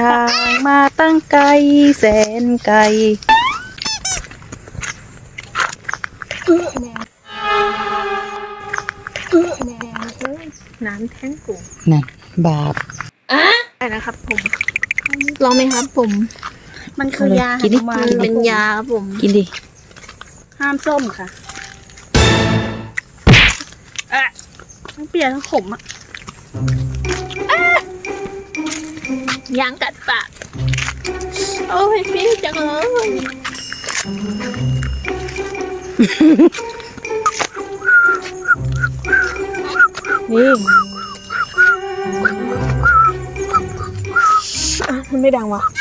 ทางมาตั้งไกลแสนไกลน้ำแท้งกูนั่นบาปได้นะครับผมลองไหมครับผมมันคือยากินดิมันเป็นยาครับผมกินดิห้ามส้มค่ะทั้งเปรี้ยวทั้งขมอ่ะยางกัดปากโอ้ยพี่จังเลยนี่มันไม่ดังวะ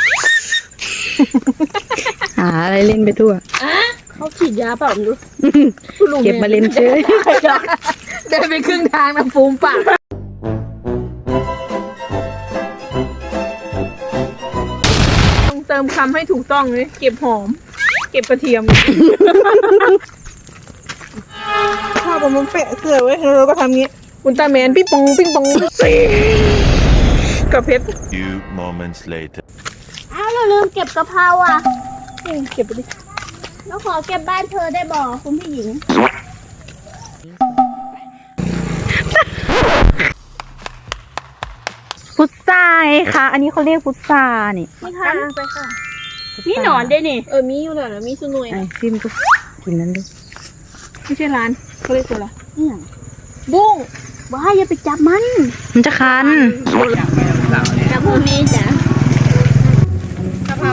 หาอะไรเล่นไปทั่วเขาฉีดยาเปล่าไม่รู้เก็บมาเล่นเฉยเดินไปครึ่งทางนะฟูมปากต้องเติมคำให้ถูกต้องเลยเก็บหอม เก็บกระเทียมถ้าผมมันเปะเกลือไว้เราก็ทำงี้อุลตร้าแมนปิ้งปองปิ้งปองสิกับเพชร Few moments later. อ้าวเราลืมเก็บกะเพราอ่ะเก็บไปดิเราขอเก็บบ้านเธอได้บ่คุณผู้หญิงพุทราไงคะอันนี้เขาเรียกพุทรานี่นี่ค่ะไปค่ะนี่หนอนด้วยนี่มีอยู่น่ะมีสนุยไอ้ฟิล์มก็กินนั้นดิไม่ใช่ร้านเขาเรียกตัวอะไรเนี่ยบุ้งบ้าอย่าไปจับมันมันจะคันจับพวกนี้จ้ะกะเพรา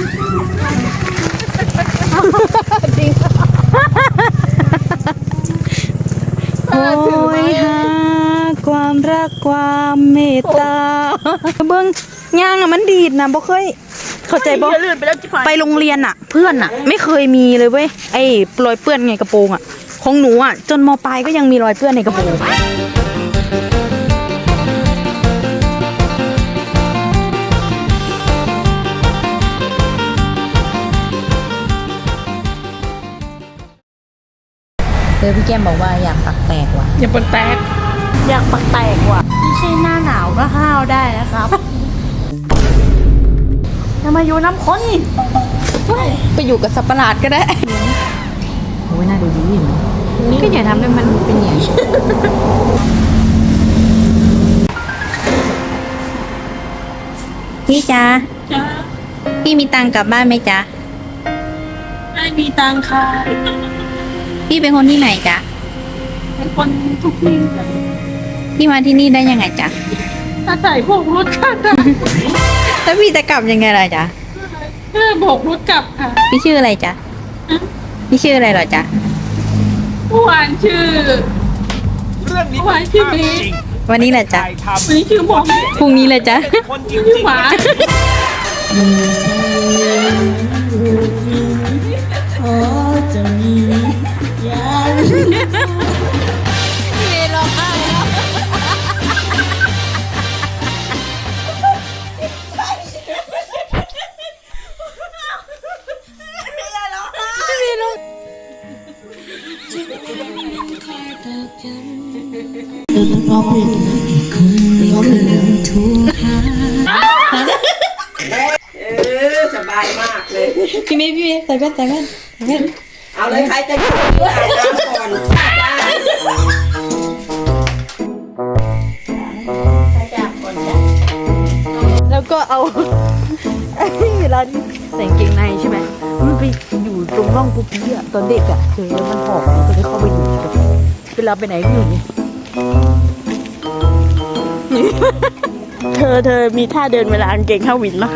โอ้ยหาความรักความเมตตาเบิ้งย่างอะมันดีดนะบ่เคยเข้าใจบ่อย่าลื่นไปแล้วจิ๋วไปโรงเรียนอะเพื่อนอะไม่เคยมีเลยเว้ยไอ้รอยเปื้อนไงกระโปรงอะของหนูอะจนมปลายก็ยังมีรอยเปื้อนในกระโปรงพี่แก้มบอกว่าอยากปักแตกว่ะอย่าปนแตกอยากปักแตกว่ะไม่ใช่หน้าหนาวก็ห้าวได้นะครับจะมาอยู่น้ำข้นไปอยู่กับสัตว์ประหลาดก็ได้โอ้ยน่าดูดีอยู่นะก็อย่าทำให้มันเป็นอย่างนี้พี่จ๊ะจ้าพี่มีตังค์กลับบ้านไหมจ๊ะไม่มีตังค่ะพี่เป็นคนที่ไหนจ๊ะเป็นคนทุกที่พี่มาที่นี่ได้ยังไงจ๊ะอาศัยโบกรถค่ะแล้วพี่จะกลับยังไงล่ะจ๊ะเพื่อโบกรถกลับค่ะพี่ชื่ออะไรจ๊ะพี่ชื่ออะไรเหรอจ๊ะเมื่อวานชื่อเมื่อวานชื่อเมย์วันนี้แหละจ๊ะวันนี้ชื่อหมองพรุ่งนี้เลยจ๊ะชื่อหมาสบายมากเลยพี่เมย์ใส่แว่นใส่แว่นใส่แว่นเอาเลยใครจะอยู่อาบน้ำก่อนจ้าแล้วก็เอาเวลาที่ใส่กางเกงในใช่ไหมมันไปอยู่ตรงร่องปุ๊บปี้อะตอนเด็กอะเคยแล้วมันหอมมันก็เลยเข้าไปอยู่เวลาไปไหนก็อยู่นี่เธอมีท่าเดินเวลากางเกงเข้าวินปะ